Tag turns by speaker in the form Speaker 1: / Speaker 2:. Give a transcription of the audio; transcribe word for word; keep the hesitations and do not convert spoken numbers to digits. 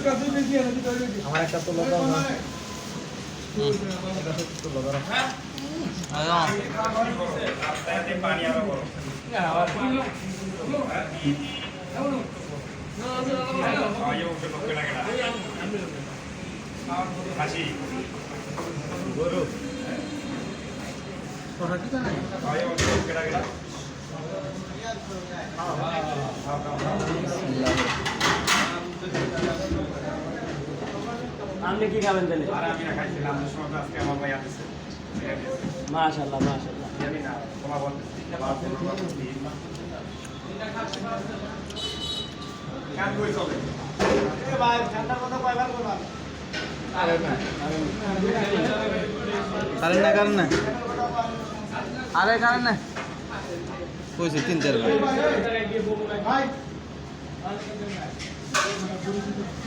Speaker 1: আমার একটা তো লোক না এটা তো লোক না রাস্তাতে পানি আরো বড় আবার আয়ো ওকে লোক লাগে না হাসি গরু কথা কি জানেন আয়ো ওকে লোক লাগে না
Speaker 2: আপনি কি খাবেন তাহলে?
Speaker 1: আর আমি না খাইছিলাম সময় আজকে আমার ভাই আসছে
Speaker 2: মাশাআল্লাহ মাশাআল্লাহ
Speaker 1: জানি না তোমার বলতেছি কেন কই চলে এ ভাই ঠান্ডা কথা কয়বার কইবা আরে না
Speaker 3: কারেন্ট না কারেন্ট না
Speaker 2: আরে কারেন না
Speaker 3: কইছে তিন চার ভাই
Speaker 1: ভাই